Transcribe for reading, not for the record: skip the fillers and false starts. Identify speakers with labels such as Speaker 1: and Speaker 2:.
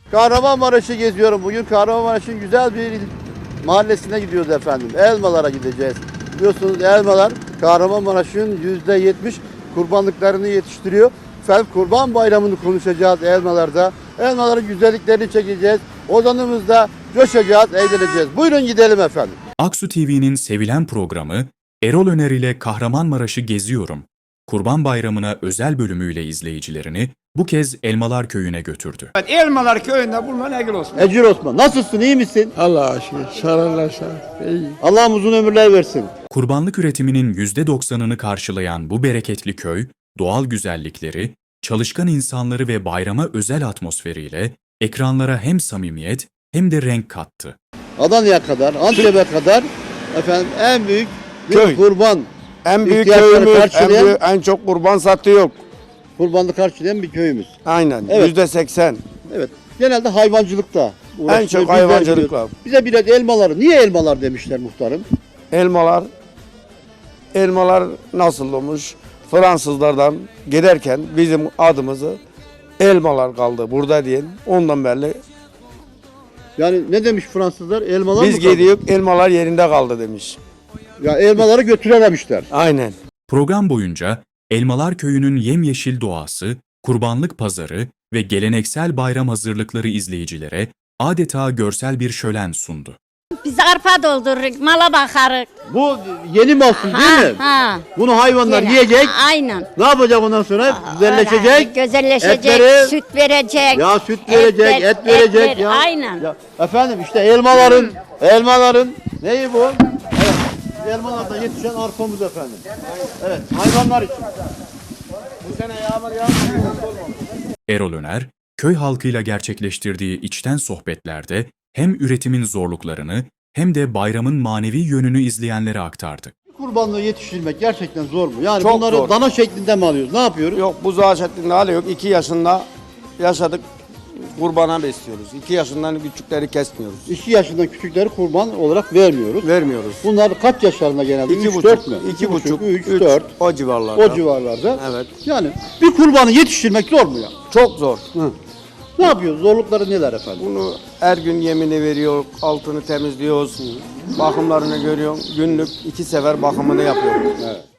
Speaker 1: Kahramanmaraş'ı geziyorum. Bugün Kahramanmaraş'ın güzel bir mahallesine gidiyoruz efendim. Elmalara gideceğiz. Biliyorsunuz elmalar Kahramanmaraş'ın %70 kurbanlıklarını yetiştiriyor. Efendim Kurban Bayramı'nı konuşacağız elmalarda. Elmaların güzelliklerini çekeceğiz. Ozanımızda coşacağız, eğleneceğiz. Buyurun gidelim efendim.
Speaker 2: Aksu TV'nin sevilen programı Erol Öner ile Kahramanmaraş'ı geziyorum. Kurban Bayramı'na özel bölümüyle izleyicilerini bu kez Elmalar Köyü'ne götürdü.
Speaker 3: Elmalar köyünde bulunan Egil Osman.
Speaker 1: Ecir Osman, nasılsın, iyi misin?
Speaker 4: Allah'a şükür. Sararlarsa iyi.
Speaker 1: Allah'ım uzun ömürler versin.
Speaker 2: Kurbanlık üretiminin %90'ını karşılayan bu bereketli köy, doğal güzellikleri, çalışkan insanları ve bayrama özel atmosferiyle ekranlara hem samimiyet hem de renk kattı.
Speaker 1: Adana'ya kadar, Antep'e kadar efendim en büyük bir
Speaker 3: Köy.
Speaker 1: kurban
Speaker 3: En büyük
Speaker 1: ihtiyaçları
Speaker 3: köyümüz,
Speaker 1: karşılayan,
Speaker 3: en çok kurban satıyor.
Speaker 1: kurbanlık karşılayan bir köyümüz.
Speaker 3: Aynen.
Speaker 1: Evet.
Speaker 3: %80.
Speaker 1: Evet. Genelde hayvancılıkta uğraşıyor.
Speaker 3: En çok
Speaker 1: Bizler
Speaker 3: hayvancılıkla.
Speaker 1: biliyoruz. Bize biraz elmaları, niye elmalar demişler muhtarım?
Speaker 3: Elmalar nasıl olmuş? Fransızlardan giderken bizim adımızı elmalar kaldı burada diyen. Ondan beri
Speaker 1: Yani ne demiş Fransızlar? Elmalar
Speaker 3: biz
Speaker 1: mı kaldı?
Speaker 3: gidiyoruz elmalar yerinde kaldı demiş.
Speaker 1: Ya elmaları götürememişler.
Speaker 3: Aynen.
Speaker 2: Program boyunca Elmalar Köyü'nün yemyeşil doğası, kurbanlık pazarı ve geleneksel bayram hazırlıkları izleyicilere adeta görsel bir şölen sundu.
Speaker 5: Biz arpa doldururuz, mala bakarız.
Speaker 1: Bu yeni mahsul değil mi?
Speaker 5: Ha.
Speaker 1: Bunu hayvanlar
Speaker 5: Yine.
Speaker 1: yiyecek.
Speaker 5: Aynen.
Speaker 1: Ne yapacak ondan sonra? Güzelleşecek.
Speaker 5: Öyle, güzelleşecek,
Speaker 1: Etleri-
Speaker 5: süt verecek.
Speaker 1: Ya süt verecek, et verecek ya.
Speaker 5: Aynen.
Speaker 1: Ya, efendim işte elmaların neyi bu? Evet. Elmalarda yetişen arpamız efendim. Evet, hayvanlar için. Bu sene yağmur
Speaker 2: Erol Öner, köy halkıyla gerçekleştirdiği içten sohbetlerde hem üretimin zorluklarını hem de bayramın manevi yönünü izleyenlere aktardı.
Speaker 1: kurbanlığı yetiştirmek gerçekten zor mu? Yani
Speaker 3: Çok
Speaker 1: bunları
Speaker 3: zor.
Speaker 1: dana şeklinde mi alıyoruz? Ne yapıyoruz?
Speaker 3: Yok buzağı şeklinde hali yok. 2 yaşında yaşadık kurbana besliyoruz. 2 yaşından küçükleri kesmiyoruz.
Speaker 1: 2 yaşından küçükleri kurban olarak vermiyoruz.
Speaker 3: Vermiyoruz.
Speaker 1: Bunlar kaç yaşlarında genelde? 3, 4 mü?
Speaker 3: 2,5,
Speaker 1: 3,
Speaker 3: 3,
Speaker 1: 4.
Speaker 3: o civarlarda.
Speaker 1: O civarlarda.
Speaker 3: Evet.
Speaker 1: Yani bir kurbanı yetiştirmek zor mu ya?
Speaker 3: Çok zor.
Speaker 1: Hı. Ne yapıyoruz? Zorlukları neler efendim?
Speaker 3: Bunu her gün yemini veriyor, altını temizliyoruz, bakımlarını görüyor. Günlük 2 sefer bakımını yapıyor.
Speaker 1: Evet.